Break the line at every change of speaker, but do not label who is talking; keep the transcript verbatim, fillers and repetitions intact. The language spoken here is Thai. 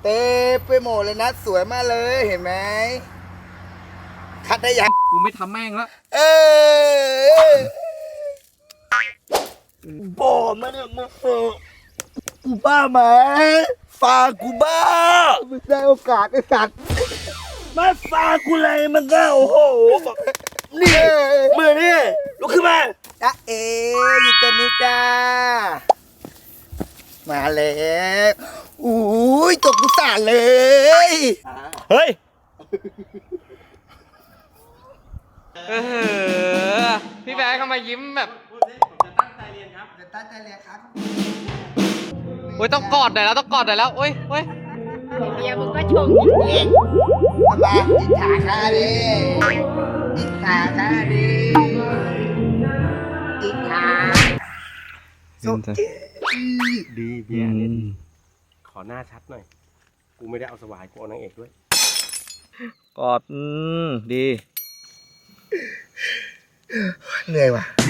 เต็มไปหมดเลยนะสวยมากเลยเห็นไหมคัดได้ยัง
กูไม่ทำแม่งแล้ว
เออบอกมาเนี่ยมึงกูบ้าไหมฝากกูบ้าไม่ได้โอกาสไอ้สัตว์มาฝากกูเลยมันก็โอ้โหนี่มือนี่ลุกขึ้นมาจ้าเอ๋อยู่ตรงนี้จ้ามาแล้วอุ้ยตกกุศลเลย
เฮ้ย
เออพี่แบงค์เข้ามายิ้มแบบจะตั้งใจเรียนครับ
จะตั้งใจเรียนครับ
โอ้ยต้องกอดหน่อยแล้วต้องกอดหน่อยแล้วโอ้ยโอ้ย
เมียมึงก็ชมจริง
ทำไมอิจฉาข้าดิอิจฉาข้าดิอิจฉาสุด
ดีเบียร์เนี่ยดีขอหน้าชัดหน่อยกูไม่ได้เอาสวายกูเอานางเอกด้วย
กอดอืมดี
เหนื่อยว่ะ